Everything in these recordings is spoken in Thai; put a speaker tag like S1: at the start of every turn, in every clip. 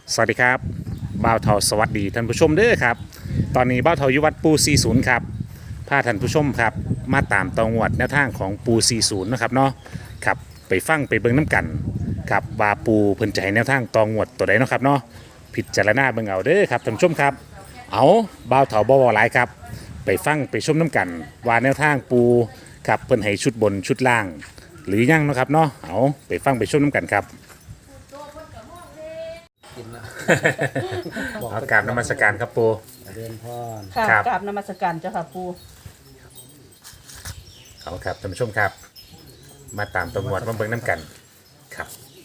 S1: สวัสดีครับบ่าวเทาสวัสดีท่านผู้ชมเด้อครับตอนนี้บ่าวเทาอยู่วัดปู40ครับพาท่านผู้ชมครับมาตามตองวดแนวทางของปู40นะครับเนาะครับไปฟังไปเบิ่งน้ำกันครับว่าปูเพิ่นจะให้แนวทางตองวดตัวใดเนาะครับเนาะพิจารณาเบิ่งเอาเด้อครับท่านผู้ชมครับเอาบ่าวเทาบ่เว้าหลายครับไปฟังไปชมน้ำกันว่าแนวทางปูครับเพิ่นให้ชุดบนชุดล่าง หรือยังเนาะครับเนาะเอาไปฟังไปชมน้ำกันครับ
S2: กินนะ
S1: เอากราบนมัสการครับปู
S2: เรียนพร
S3: ค่ะ
S1: ครับ
S3: กราบนมัสการเจ้าค่ะปู
S1: เอาครับท่านผู้ชมครับ มาตามตำรวจมาเบิ่งน้ำกันครับ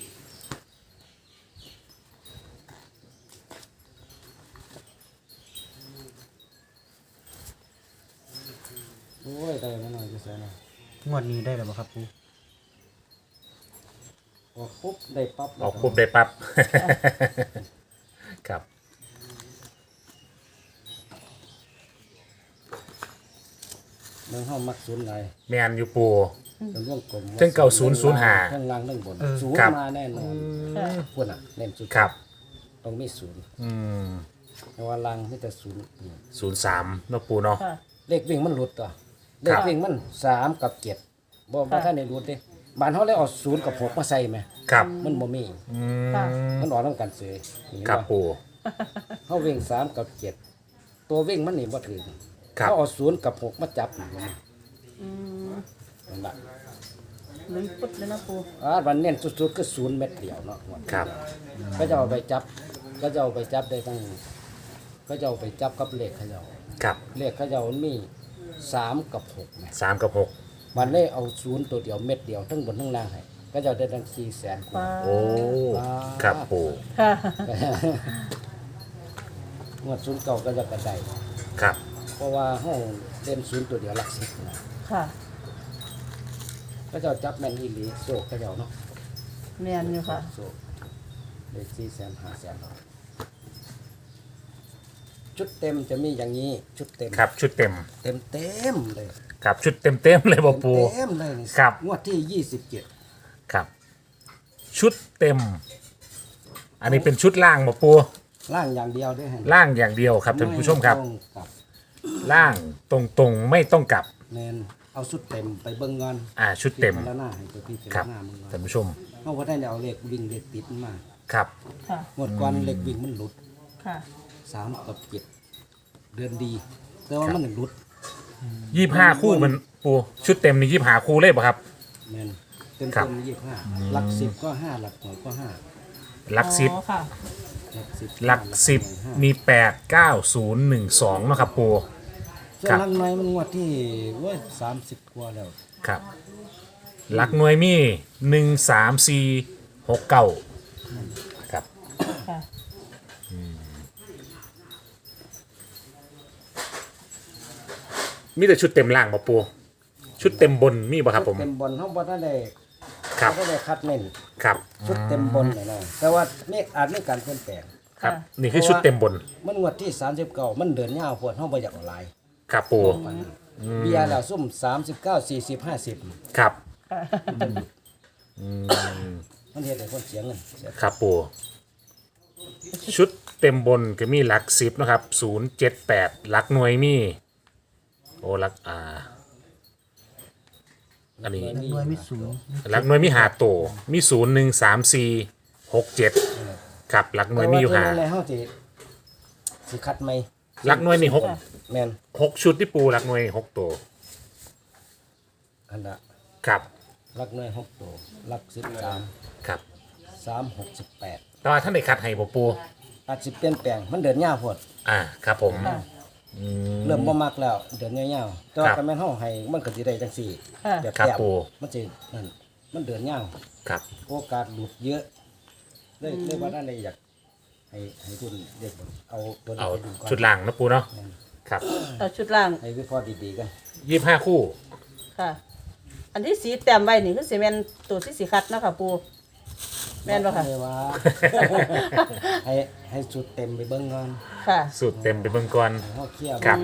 S2: โอ้ยได้มาหน่อยจะใส่หน่อย
S4: งวดนี้ได้แล้วบ่ครับปู
S2: ออกปุ๊บได้ปั๊บ
S1: ออกปุ๊บได้ปั๊บ ครับ
S2: เมืองห้ามักศูนย์ไหน
S1: แมนอยู่ปู
S2: เป็นวงกลม
S1: เทิงเก่า005
S2: เทิงล่างเทิงบนศูน
S1: ครับ
S2: ย์มาแน่นอน
S3: ค่ะ
S2: พวกน่ะเน้นสุด
S1: ครับ
S2: ต้องมีศูนย์
S1: อืม
S2: แต่ว่าล่างมีแต่ศูนย์
S1: 03เนาะปูเนาะ
S3: ค่ะ
S2: เลขวิ่งมันหลุดตัวเลขวิ่งมัน3กับ7บ่ท่านได้หลุดเด้บ้านเฮาเลยเอา0กับ6มาใส่ไหม
S1: ครับ
S2: มันบ่มี
S1: อื
S3: ค่ะ
S1: ม
S2: มันออกนำกันเสยเห็น
S1: ครับ
S2: บ่
S1: ปู
S2: เฮาวิ่ง3กับ7ตัววิ่งมันนี่บ่ถึง
S1: ครับ
S2: เขาเอา0กับ6มาจับนี่มัน
S3: อืม
S2: นั่นล่ะ
S3: ลืมปุ๊บเลยนะปู
S2: วันเน้นสุดๆก็0เม็ดเดียวเนาะ
S1: ครับ
S2: ก็จะเอาไปจับก็จะเอาไปจับได้ตั้งก็จะเอาไปจับกับเลขเขาเจ้า
S1: ครับ
S2: เลขเขาเจ้ามันมี3กับ6นะ
S1: 3กับ6
S2: วันนี้เอา0ตัวเดียวเม็ดเดียวทั้งบนทั้งล่างให้ก็จะได้ตั้ง400,000กว่า
S3: ปลา
S1: โอ้ครับปู
S3: ค่ะ
S2: งวด0เก่าก็จะกระได
S1: ครับ
S2: เพราะว่าเฮาเล่น0ตัวเดียวหลัก10นะ
S3: ค่ะ
S2: ก็จะจับแม่นอีหลีโซกเขาเจ้าเนาะ
S3: แมนอยู่ค่ะ
S2: โซกได้400,000 500,000เนาะชุดเต็มจะมีอย่างนี้ชุดเต็ม
S1: ครับชุดเต็ม
S2: เต็มเต็มเลย
S1: ครับชุดเต็มๆเลยบ่ปู
S2: เต็มเลยนี่
S1: ครับ
S2: งวดที่27
S1: ครับ ชุดเต็ม อันนี้เป็นชุดล่างบ่ปู
S2: ล่างอย่างเดียวด้วยฮะ
S1: ล่างอย่างเดียวครับท่านผู้ชมครับ
S2: ไต้องกลับ
S1: ล่างตรงๆไม่ต้องกลับ
S2: แมนเอาชุดเต็มไปเบิ่งเงิน
S1: ชุดเต็ม
S2: แล้วหน้าให้ตัวพี่เต็ม
S1: ครับ
S2: หน้ามึงเงิ
S1: ท่าน
S2: น
S1: ผู้ชม
S2: เขาก็ได้เอาเลขวิ่งเลขติดมา
S1: ครับ
S3: ค่ะ
S2: งวดก่อนเลขวิ่งมันหลุด
S3: ค่ะ
S2: 3กับ7เดือนดี แต่ว่ามันหลุด
S1: 25 คู่มันปูชุดเต็มนี่25 คู่เลยป่ะครับ
S2: แมนเต็ม
S1: ครั
S2: เต็
S1: บ
S2: ม25หลัก10ก็5หลักหน่วยก็5
S1: หลักสิบ
S3: อ๋อค่ะ
S2: หลัก10
S1: หลักสิบ
S2: ห้า
S1: มี 8 9 0 1 2เนาะครับปู
S2: ส่ว
S1: ครั
S2: น
S1: บ
S2: หลักหน่วยมันงวดที่เว้ย30กว่าแล้ว
S1: ครับ หลักหน่วยมี 1 3 4 6 9ครับ
S3: ค่ะ
S1: มีแต่ชุดเต็มล่างป่ะปูชุดเต็มบนมีป่ะครับผม
S2: เต็มบนเขาบ่ได้
S1: ครับ
S2: เขาได้คัดเน้น
S1: ครับ
S2: ชุดเต็มบนเลยนะแต่ว่าเมฆอาจมีการเปลี่ยนแปลง
S1: ครับ นี่คือชุดเต็มบน
S2: มันงวดที่39มันเดินยาวพวดเฮาบ่อยากเอาหลาย
S1: ครับปู
S2: เบียร์แล้วซุ่ม39 40 50
S1: ครับ
S2: มันเฮ็ดให้คนเสียเงินเสีย
S1: ครับปูชุดเต็มบนก็มีหลักสิบนะครับ078หลักหน่วยมีโอ้หลักอันนี้
S4: หน่วยมีศูนย์
S1: หลักหน่วยมี5ตัวมี013467ครับหลักหน่วยมีอยู่
S2: แต่
S1: ห้า
S2: ว่าตัวนั้นแหละเฮาสิคัดใหม่
S1: หลักหน่วยนี่หก
S2: แม่น
S1: 6ชุดที่ปูหลักหน่วยนี่6ตัว
S2: อันน่ะ
S1: ครับ
S2: หลักหน่วย6ตัวหลัก13
S1: ครับ
S2: 3 6 18
S1: แต่ว่าท่านได้คัดให้บ่ปู
S2: อาจสิเปลี่ยนแปลงมันเดินยาวพวด
S1: ครับผม
S3: ค่ะ
S2: เริ่มบ่มักแล้วเดินยาวๆแต่ว่า
S1: ครับ
S2: ก็แม่นเฮาให้มันก็สิได้จังซี่
S3: ค่ะ
S2: แบบ
S1: ครับ
S2: แต้ม
S1: ปู่
S2: มันสินั่นมันเดินยาว
S1: ครับ
S2: โอกาสหลุดเยอะเลยว่านั่นเลยอยากให้ทุนเด็กเอาตัวนี้
S1: เอา
S2: ไปดูก่อน
S1: ชุดล่างนะปูเนาะครับ
S3: เอาชุดล่าง
S2: ให้วิเคราะห์ดีๆกัน
S1: 25คู่
S3: ค่ะ อันที่สีแต้มไว้นี่คือสีแมนตัวที่สีคัดเนาะค่ะปูแมนป่ะค่ะ
S2: เลยว่า ให้สุดเต็มไปเบิ่งก่อน
S3: ค่ะ
S1: สูตรเต็มไปเบิ่งก่อน
S2: ให้เฮาเคลียร์
S1: ครับ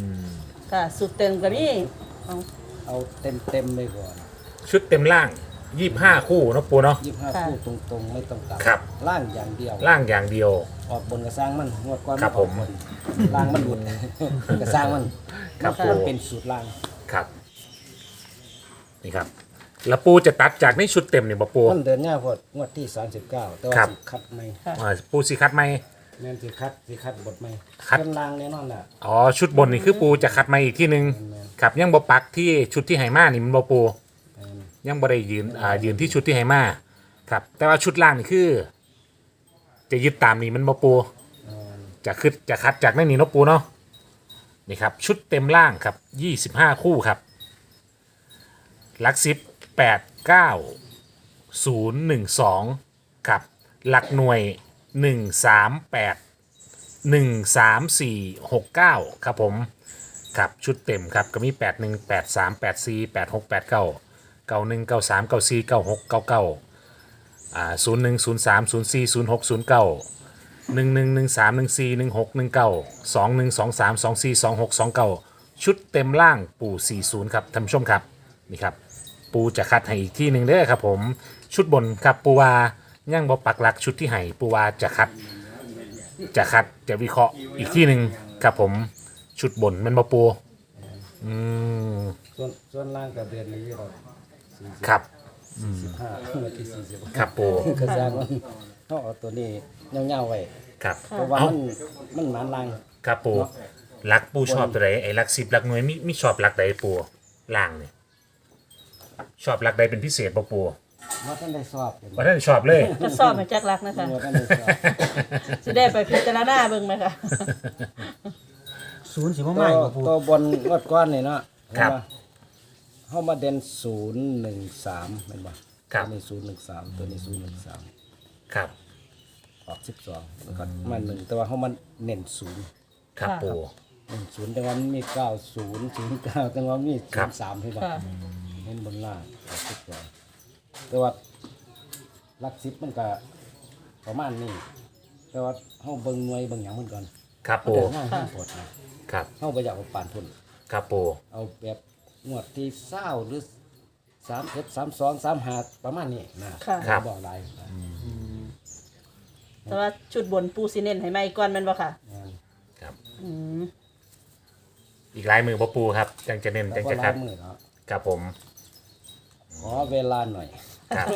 S3: ค่ะ สุดเต็มกับนี่เอา
S2: เอาเต็มไปก่อน
S1: ชุดเต็มล่าง 25 คู่เนาะปูเนาะ
S2: 25คู่ตรงๆไม่ต้องกลับ
S1: ครับ
S2: ล่างอย่างเดียว
S1: ล่างอย่างเดียว
S2: ออกบนกระสร้างมันงวดก่อน
S1: ครับ
S2: ออกบนล่างมันหลุด กระสร้างมัน
S1: ครับ
S2: มัน
S1: ผม
S2: เป็นสูตรล่าง
S1: ครับนี่ครับแล้วปูจะตัดจากในชุดเต็มเนี่ยบ่ปู
S2: มันเดินง่ายพอดงวดที่39แต่ว่า
S1: ครับ
S2: สิคัดไม่
S1: ปูสิคัดไหม
S2: แม่นสิคัดบทไม่
S1: คัด
S2: เป็นล่างแน่นอนล่ะ
S1: อ๋อชุดบนนี่คือปูจะคัดมาอีกที่หนึ่งครับยังบ่ปักที่ชุดที่ไหมานี่มันบ่ปู
S2: แม่น
S1: ยังบ่ได้ยืนที่ชุดที่ไหมาครับแต่ว่าชุดล่างนี่คือ จะยึดตามนี่มันบ่ปู
S2: แม่น
S1: จะคัดจากในนี่เนาะปูเนาะนี่ครับชุดเต็มล่างครับ25 คู่ครับหลัก10 8 9 0 1 2ครับหลักหน่วย 1 3 8 1 3 4 6 9ครับผมครับชุดเต็มครับก็มี8 1 8 3 8 4 8 6 8 9 9 1 9 3 9 4 9 6 9 9 0 1 0 3 0 4 0 6 0 9 1 1 1 3 1 4 1 6 1 9 2 1 2 3 2 4 2 6 2 9ชุดเต็มล่างปู่40ครับท่านผู้ชมครับนี่ครับปูจะคัดให้อีกที่หนึ่งเด้อครับผมชุดบนครับปูวาย่างบ่ปักหลักชุดที่ให้ปูวาจะคัดจะวิเคราะห์อีกที่หนึ่งครับผมชุดบนแมันบ่ปูอืม
S2: ส่วนล่างกับเดือนนี้เรา40
S1: ครับ
S2: 45งวดที่40
S1: ครับปู
S2: กระสร้างมันเขาเอาตัวนี้เงาๆไว้
S1: ครับ
S2: เพราะว่า
S1: เอ้า
S2: มันหมานล่าง
S1: ครับปูหลักปูชอบตัวไหนไอ้หลัก10หลักหน่วยมีชอบหลักใดปูล่างเนี่ยชอบหลักใดเป็นพิเศษบ่ปู
S2: ว่าท่านได้สอบเป็น
S1: ว่าท่านชอบเลย
S3: ก็สอบมาจากรักนะคะ
S2: ว่าท่านได้สอบ
S3: สิได้ไปพิจารณาเบิ่งไหมคะ
S4: ศูนย์สิบ่
S2: ตั
S4: มาอีกบ่ปู
S2: วบนงวดก้อนนี่เนาะ
S1: ครับ
S2: เห็นปะเข้ามาเด่น013เป็นบ่
S1: ครับ
S2: ตัวนี้013ตัวนี้013
S1: ครับ
S2: ออก12แล้วก็มา1แต่ว่าเขามันเน้น0
S1: ครับปู
S2: 0แต่ว่ามันมี90 09แต่ว่ามี
S1: ครับ
S2: 03ให้บ่
S3: ค่ะ
S2: เน้นบนล่างออก12แต่ว่าหลัก10มันก็ประมาณนี้แต่ว่าเฮาเบิ่งหน่วยเบิ่งหยังมันก่อน
S1: ครับ
S2: มัน
S1: ปู
S2: ก็ง่ายๆปวดนะครับ เฮาบ่อยากเอาปานทุน
S1: ครับปู
S2: เอาแบบงวดที่20หรือ31 32 35ประมาณนี้นะ
S3: ค่ะ
S2: บ่หลายนะ
S3: แต่ว่าชุดบนปูซีเน้นให้ไหมก่อนแมันบ่ค่ะ
S2: งาน
S1: ครับ
S3: อืม
S1: อีกหลายมือบ่ปูครับจังจะเน้น
S2: แล้
S1: จั
S2: ว
S1: ง
S2: ก็
S1: จะ
S2: ลา
S1: คั
S2: ย
S1: ด
S2: มือเนาะ
S1: ครับผม
S2: ขอเวลาหน่อย
S1: ครับ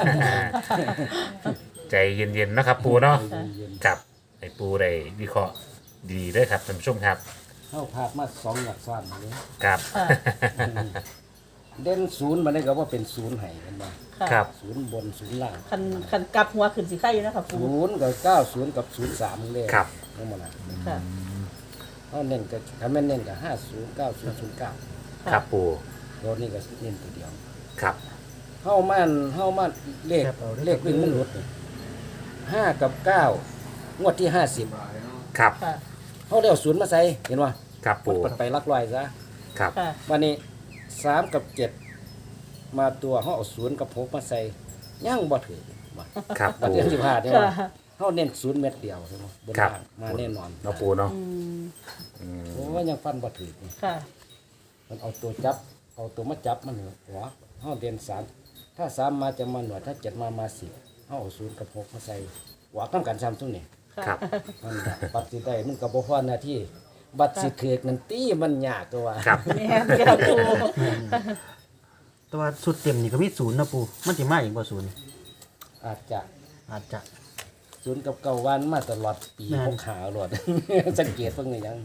S1: ใจเย็นๆนะครับปูเนาะ
S2: เย็น
S1: ครับให้ปูได้วิเคราะห์ดีๆด้วยครับท่านผู้ชมครับ
S2: ๆเฮาพลาดมา2หลักซ้อนเลย
S1: ครับ
S3: ค่ะ
S2: เด่น0มันได้ก็ว่าเป็น0ให้กันบ่
S3: ค่ะ
S1: ครับ
S2: 0บน0ล่าง
S3: คันกลับหัวขึ้นสิไข่อยู่นะคะปู
S2: 0กับ90กับ03เลย
S1: ครับ
S2: ทั้งหมดน่ะ
S3: ค่ะ
S2: เฮาเน้นก็ถ้าแม่นเน้นก็50 90 09
S1: ครับปู
S2: ตัวนี้ก็เน้นตัวเดียว
S1: ครับ
S2: เฮามาเลขวิ่งมันหลุดนี่5กับ9งวดที่50
S1: ครับ
S3: ค่ะ
S2: เฮาได้เอา0มาใส่เห็นบ่
S1: ครับ
S2: มัน
S1: ปู
S2: เปิดไปหลักร้อยซะ
S1: ครับ
S3: ค่ะ
S2: วันนี้3กับ7มาตัวเฮาเอา0กับ6มาใส่ยังบ่ถือบ่
S1: ครับ
S2: บัด
S1: ปู
S2: เดือน15เนี่ย
S3: ค่ะ
S2: เฮาเน้น0เม็ดเดียวใช่บ่บน
S1: ครับ
S2: ล่างมาแน่นอน
S1: เนาะปูเนาะ
S3: อืม
S2: โอ้ยยังฟันบ่ถือนี่
S3: ค่ะ
S2: มันเอาตัวจับ เอาตัวมาจับมันหัวเฮาเด่น3ถ้า3มาจะมาหน่วยถ้า7มา10เฮาเอา0กับ6มาใส่หัวนํกันซ้ำทุกนี่
S3: ค่ะ
S1: ครับ
S2: มันน่ะบัตรสิได้มันก็บ่พอหน้าที่บัตรสิถูกนั่นตีมันยากก็ว่า
S1: ครับ
S3: แม่นค่ะปู
S4: แต่ว่าสุดเต็มนี่ก็มีศูนย์นะปูมันสิมาอีกบ่ศูนย์
S2: อาจจะ
S4: อาจจะ
S2: 0กับ9วันมาตลอดปี
S4: แม่น
S2: พกหาโลด สังเกตเพิ่งนี่ยัง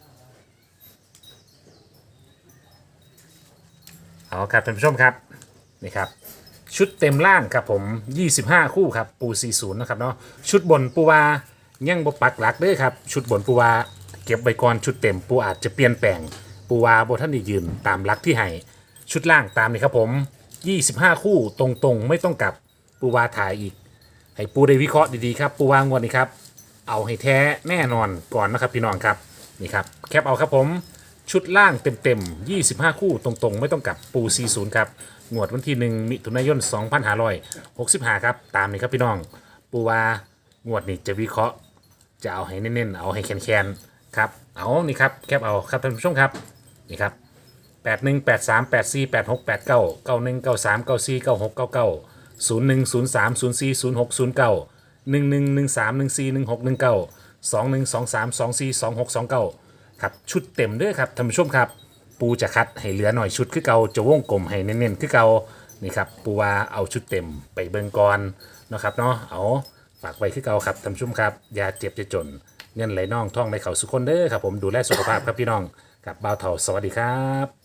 S1: เอาครับท่านผู้ชมครับนี่ครับ ชุดเต็มล่างครับผม 25 คู่ครับปู40นะครับเนาะชุดบนปูวายังบ่ปักหลักเด้อครับชุดบนปูวาเก็บไว้ก่อนชุดเต็มปูอาจจะเปลี่ยนแปลงปูวาบ่ท่านได้ยืนตามหลักที่ให้ชุดล่างตามนี่ครับผม 25 คู่ตรงๆ ไม่ต้องกลับปูวาถ่ายอีก ให้ปูได้วิเคราะห์ดีๆครับปูวางวดนี้ครับเอาให้แท้แน่นอนก่อนนะครับพี่น้องครับนี่ครับแคปเอาครับผมชุดล่างเต็มๆ25 คู่ตรงๆ ไม่ต้องกลับปู40ครับงวดวันที่1มิถุนายน2565ครับตามนี้ครับพี่น้องปูวางวดนี้จะวิเคราะห์จะเอาให้เน้นๆเอาให้แคนๆครับเอานี่ครับแคปเอาครับท่านผู้ชมครับนี่ครับครับชุดเต็มด้วยครับท่านผู้ชมครับปูจะคัดให้เหลือหน่อยชุดคือเก่าจะวงกลมให้เน้นๆคือเก่านี่ครับปูว่าเอาชุดเต็มไปเบิ่งก่อนนะครับเนาะเอาฝากไว้คือเก่าครับท่านผู้ชมครับอย่าเจ็บจะจนเงินไหลน่องท่องไหลเข่าสุขคนเด้อครับผมดูแลสุขภาพครับพี่น้องกับบ่าวเฒ่าสวัสดีครับ